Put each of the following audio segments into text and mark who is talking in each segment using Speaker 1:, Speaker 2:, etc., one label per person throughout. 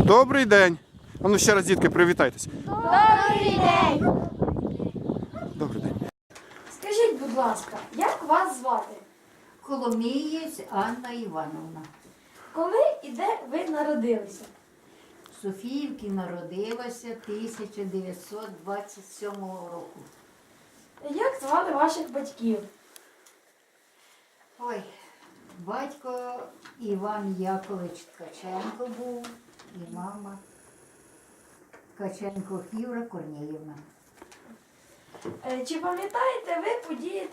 Speaker 1: Добрий день. А ну ще раз, дітки, привітайтеся.
Speaker 2: Добрий день!
Speaker 1: Добрий день.
Speaker 2: Скажіть, будь ласка, як вас звати?
Speaker 3: Коломієць Анна Івановна.
Speaker 2: Коли і де ви народилися?
Speaker 3: В Софіївці народилася 1927 року.
Speaker 2: Як звали ваших батьків?
Speaker 3: Ой, батько Іван Якович Ткаченко був і мама Ткаченко Фівра Корнеївна.
Speaker 2: Чи пам'ятаєте ви події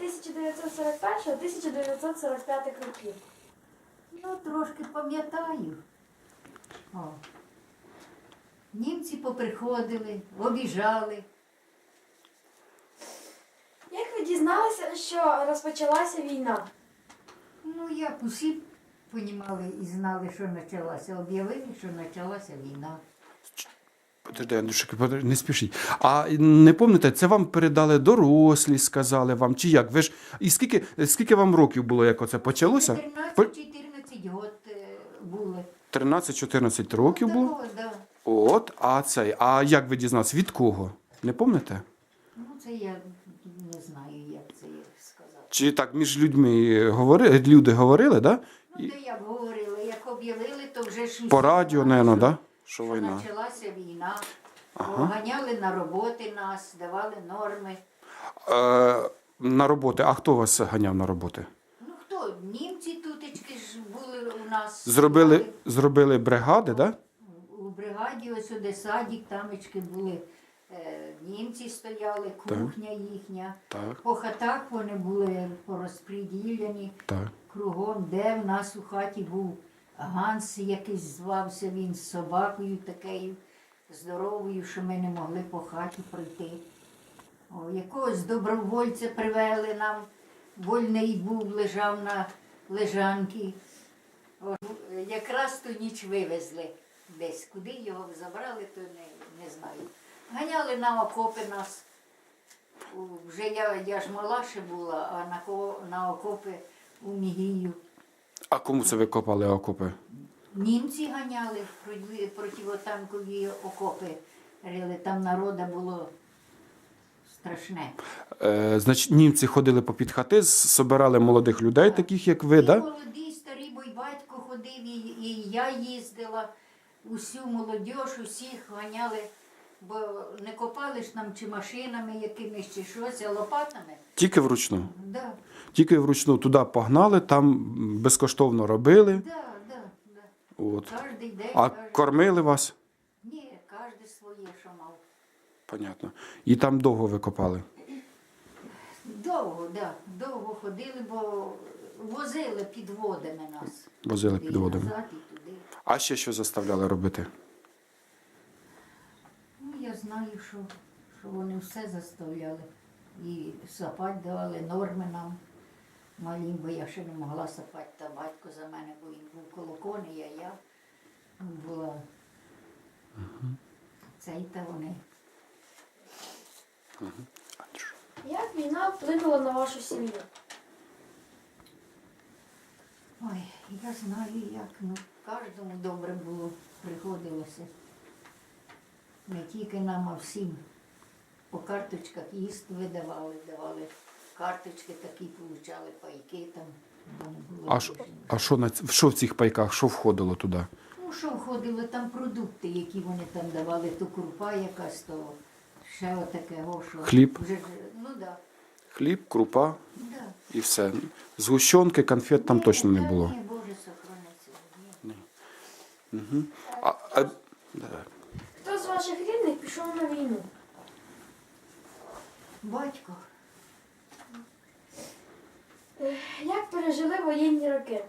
Speaker 2: 1941-1945 років?
Speaker 3: Ну, трошки пам'ятаю. О. Німці поприходили, обіжали.
Speaker 2: Як ви дізналися, що розпочалася війна?
Speaker 3: Ну, як усі понімали і знали, що почалася. Об'явили, що почалася війна.
Speaker 1: Подожди, Андрюшик, не спішіть. А не пам'ятаєте, це вам передали дорослі, сказали вам, чи як? Ви ж, і скільки вам років було, як оце почалося?
Speaker 3: 13-14 год були.
Speaker 1: 13-14 років було?
Speaker 3: Такого, да.
Speaker 1: От, а як ви дізналися? Від кого? Не пам'ятаєте?
Speaker 3: Ну, це я не знаю, як це сказати.
Speaker 1: Чи так між людьми люди говорили, да?
Speaker 3: Ну, то як говорили, як об'явили, то вже ж усі
Speaker 1: По радіо,
Speaker 3: знали,
Speaker 1: мабуть, да?
Speaker 3: що
Speaker 1: Що війна.
Speaker 3: почалася війна.
Speaker 1: Ага.
Speaker 3: Ганяли на роботи нас, давали норми.
Speaker 1: На роботи. А хто вас ганяв на роботи?
Speaker 3: Ну хто? Німці тутечки ж були у нас.
Speaker 1: Зробили бригади, да?
Speaker 3: У бригаді, ось де садик, тамечки були. Німці стояли, кухня їхня.
Speaker 1: Так,
Speaker 3: По хатах вони були порозподілені.
Speaker 1: так.
Speaker 3: Кругом, де в нас у хаті був Ганс, якийсь звався він з собакою такою здоровою, що ми не могли по хаті пройти. О, якогось добровольця привели нам, вольний був, лежав на лежанці. О, якраз ту ніч вивезли десь. Куди його забрали, то не знаю. Ганяли на окопи нас. Вже я ж мала ще була, а на окопи у Мігію.
Speaker 1: А кому це ви копали окопи?
Speaker 3: Німці ганяли противотанкові окопи рили. Там народу було страшне.
Speaker 1: Значить, німці ходили попід хати, збирали молодих людей, таких як ви,
Speaker 3: І
Speaker 1: да?
Speaker 3: молоді, старі, бо й батько ходив, і я їздила. Усю молодь, усіх ганяли, бо не копали ж нам чи машинами якимись, чи щось, а лопатами.
Speaker 1: Тільки вручну.
Speaker 3: Да,
Speaker 1: Тільки вручну туди погнали, там безкоштовно робили.
Speaker 3: да, да, да.
Speaker 1: От.
Speaker 3: Кожний день.
Speaker 1: А кормили вас?
Speaker 3: Ні, кожен своє, що мав.
Speaker 1: Понятно. І там довго ви копали?
Speaker 3: Довго, да, довго ходили, бо возили підводами нас.
Speaker 1: Возили
Speaker 3: Туди,
Speaker 1: під водами.
Speaker 3: назад, і туди.
Speaker 1: А ще що заставляли робити?
Speaker 3: Ну, я знаю, що вони все заставляли. І сапати давали норми нам малім, бо я ще не могла сапати, та батько за мене, бо він був коло коней, а я була. Цей та вони.
Speaker 2: Як війна вплинула на вашу сім'ю?
Speaker 3: Ой, я знаю, як, ну, кожному добре було, приходилося. Не тільки нам, а всім. По карточках їсти видавали, давали карточки такі, получали пайки там. Вони були
Speaker 1: А що в цих пайках, що входило туди?
Speaker 3: Ну, що входило, там продукти, які вони там давали, то крупа якась, то ще отаке, що.
Speaker 1: Хліб?
Speaker 3: Вже, ну так, да,
Speaker 1: Хліб, крупа
Speaker 3: да.
Speaker 1: і все. Згущенки, конфет там точно не було.
Speaker 3: Ні, Боже, сохраниться. Ні.
Speaker 1: Угу. Да.
Speaker 2: Хто з ваших рідних пішов на війну?
Speaker 3: Батько.
Speaker 2: Як пережили воєнні роки?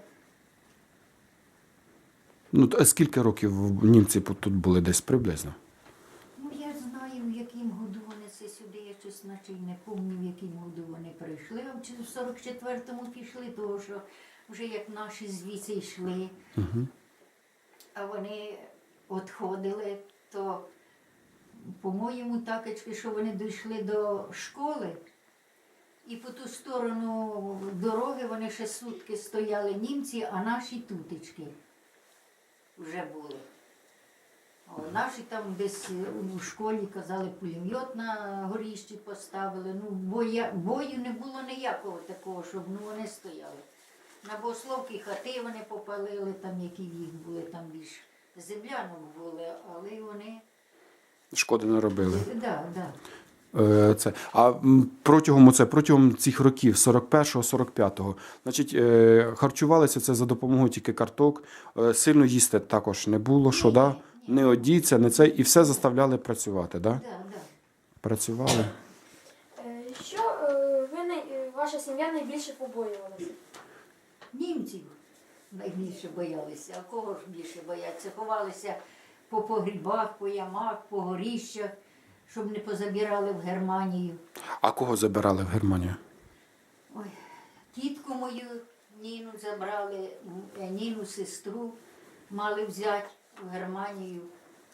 Speaker 1: Ну, а скільки років німці тут були десь приблизно?
Speaker 3: Ну, я знаю, в яким году вони це сюди, я щось наче й не пам'ятаю, в яким году вони прийшли. А в 44-му пішли, тому що вже як наші звідси йшли, а вони відходили, то, по-моєму, такочки, що вони дійшли до школи, і по ту сторону дороги вони ще сутки стояли німці, а наші тутечки вже були. Наші там десь у школі казали, пулемет на горіщі поставили. Ну, бою не було ніякого такого, щоб вони стояли. На богословки хати вони попалили, там які в їх були, там більш землянок були, але вони.
Speaker 1: Шкоди не робили.
Speaker 3: Да.
Speaker 1: Це. Протягом цих років, 41-45, значить, харчувалися це за допомогою тільки карток, сильно їсти також не було, що, да? Не одіться, не це, і все заставляли працювати, да?
Speaker 3: Да.
Speaker 1: Працювали.
Speaker 2: Що ваша сім'я найбільше побоювалася?
Speaker 3: Німців найбільше боялися, а кого ж більше бояться? Ховалися по погрібах, по ямах, по горіщах, щоб не позабирали в Германію.
Speaker 1: А кого забирали в Германію?
Speaker 3: Ой, тітку мою Ніну забрали, Ніну сестру мали взяти в Германію.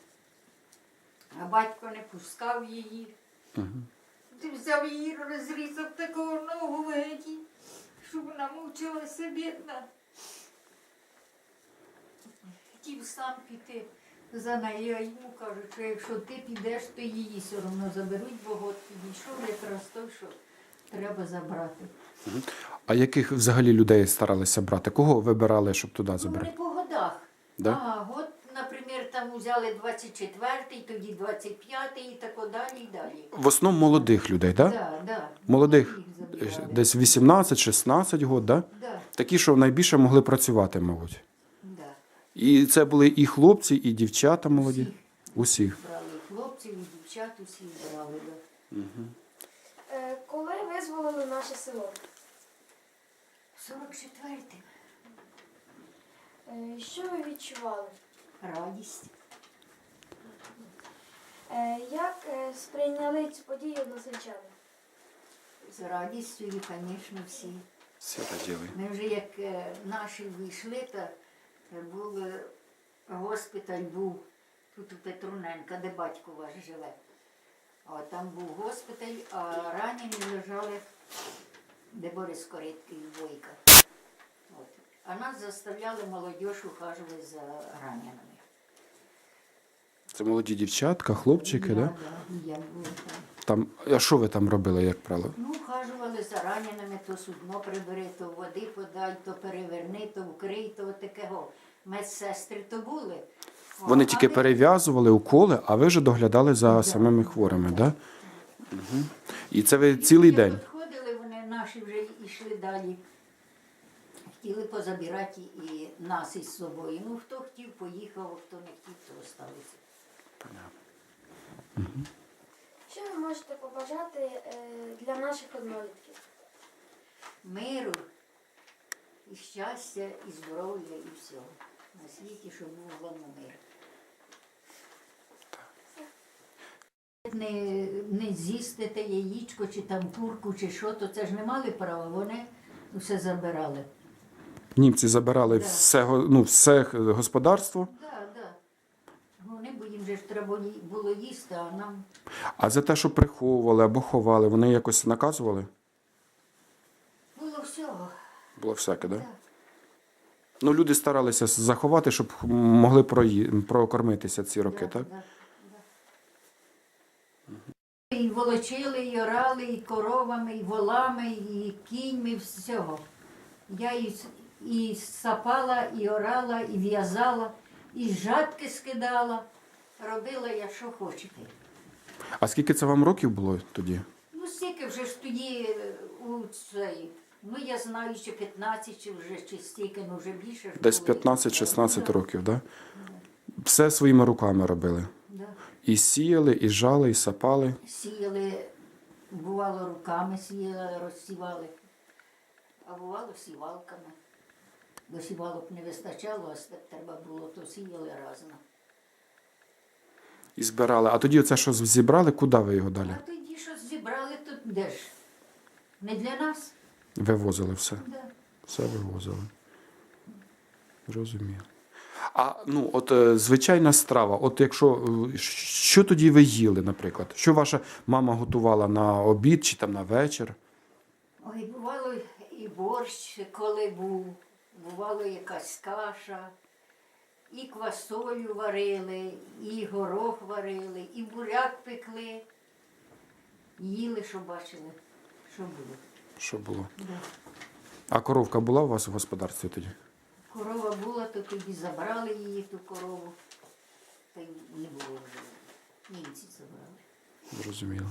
Speaker 3: А батько не пускав її. Ти взяв її, розрізав такого ногу в геді, щоб вона мовчалася, бідна. Хотів сам піти за нею, а йому кажуть, що якщо ти підеш, то її все одно заберуть, бо год підійшов якраз той, що треба забрати.
Speaker 1: А яких взагалі людей старалися брати? Кого вибирали, щоб туди
Speaker 3: Ну,
Speaker 1: забрати?
Speaker 3: не по годах.
Speaker 1: Да?
Speaker 3: Год, наприклад, там взяли 24-й, тоді 25-й і так далі і далі.
Speaker 1: В основному молодих людей, так? Да?
Speaker 3: Да.
Speaker 1: Молодих,
Speaker 3: Їх забирали.
Speaker 1: десь 18-16 років, да?
Speaker 3: Да.
Speaker 1: Такі, що найбільше могли працювати, мабуть.
Speaker 3: Да.
Speaker 1: І це були і хлопці, і дівчата молоді.
Speaker 3: Всіх.
Speaker 1: Усіх.
Speaker 3: Брали і хлопців, і дівчат, усіх брали. Да.
Speaker 2: Коли визволили наше село?
Speaker 3: 44-й.
Speaker 2: Що ви відчували?
Speaker 3: Радість.
Speaker 2: Як сприйняли цю подію односельчани?
Speaker 3: З радістю, і, звісно, всі.
Speaker 1: Всі раділи.
Speaker 3: Ми вже як наші вийшли, то був госпіталь був тут у Петруненка, де батько ваш живе. От там був госпіталь, а ранені лежали, де Борис Кориткий, Бойка. От. А нас заставляли молодіж ухажувати за раненими.
Speaker 1: Це молоді дівчатка, хлопчики,
Speaker 3: Я,
Speaker 1: да?
Speaker 3: да, і я була там.
Speaker 1: А що ви там робили, як правило?
Speaker 3: Ну, ухажували за раненими, то судно прибери, то води подай, то переверни, то вкрий, то такого. Медсестри то були.
Speaker 1: Вони
Speaker 3: А
Speaker 1: тільки
Speaker 3: ми-
Speaker 1: перев'язували уколи, а ви вже доглядали за самими хворими, да? Угу. І це ви цілий день?
Speaker 3: Підходили, вони наші вже йшли далі. Хотіли позабирати і нас із собою. Ну, хто хотів, поїхав, а хто не хотів, то залишився.
Speaker 2: Що ви можете побажати для наших однолітків?
Speaker 3: Миру, і щастя, і здоров'я, і всього. На світі, щоб був головне мир. Не з'їсти те яєчко, чи там курку, чи що, то це ж не мали права, вони все забирали.
Speaker 1: Німці забирали
Speaker 3: Да.
Speaker 1: все господарство,
Speaker 3: Так, так. Вони, бо їм же ж треба було їсти, а нам
Speaker 1: а за те, що приховували або ховали, вони якось наказували?
Speaker 3: було всього.
Speaker 1: Було всяке, так? Да?
Speaker 3: Так.
Speaker 1: Ну, люди старалися заховати, щоб могли прокормитися ці роки, так?
Speaker 3: Да. І волочили, і орали, і коровами, і волами, і кіньми, всього. Я і сапала, і орала, і в'язала, і жатки скидала. Робила я, що хочете.
Speaker 1: А скільки це вам років було тоді?
Speaker 3: Ну, стільки вже ж тоді у цей. Ну, я знаю, чи 15, чи вже чи стільки, ну вже більше. ж
Speaker 1: Десь
Speaker 3: було.
Speaker 1: 15-16
Speaker 3: Да,
Speaker 1: років, так? Да? Все своїми руками робили.
Speaker 3: да.
Speaker 1: І сіяли, і жали, і сапали.
Speaker 3: Сіяли, бувало, руками сіяли, розсівали, а бувало сівалками. Бо сівалок не вистачало, а треба було, то сіяли разом.
Speaker 1: І збирали. А тоді оце, що зібрали, куди ви його далі?
Speaker 3: А тоді що зібрали, то де ж? Не для нас?
Speaker 1: Вивозили все.
Speaker 3: Да.
Speaker 1: Все вивозили. Розумію. А ну, звичайна страва. От якщо що тоді ви їли, наприклад? Що ваша мама готувала на обід чи там на вечір?
Speaker 3: Ой, бувало і борщ, коли був, бувало якась каша, і квасолю варили, і горох варили, і буряк пекли. Їли, що бачили, що було.
Speaker 1: Що було?
Speaker 3: Да.
Speaker 1: А коровка була у вас у господарстві тоді?
Speaker 3: Корова була, то тоді забрали її, ту корову. Та й не було вже. Німці забрали.
Speaker 1: Зрозуміло.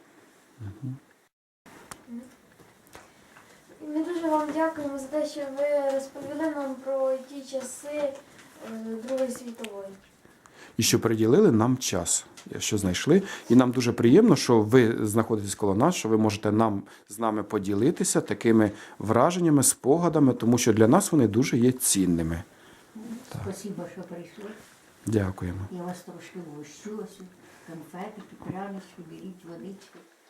Speaker 2: І ми дуже вам дякуємо за те, що ви розповіли нам про ті часи Другої світової.
Speaker 1: І що приділили нам час, що знайшли. І нам дуже приємно, що ви знаходитесь коло нас, що ви можете з нами поділитися такими враженнями, спогадами, тому що для нас вони дуже є цінними.
Speaker 3: Спасибо, що прийшли.
Speaker 1: Дякуємо.
Speaker 3: Я вас трошки вгощу, ось конфетики, прянички, беріть водички.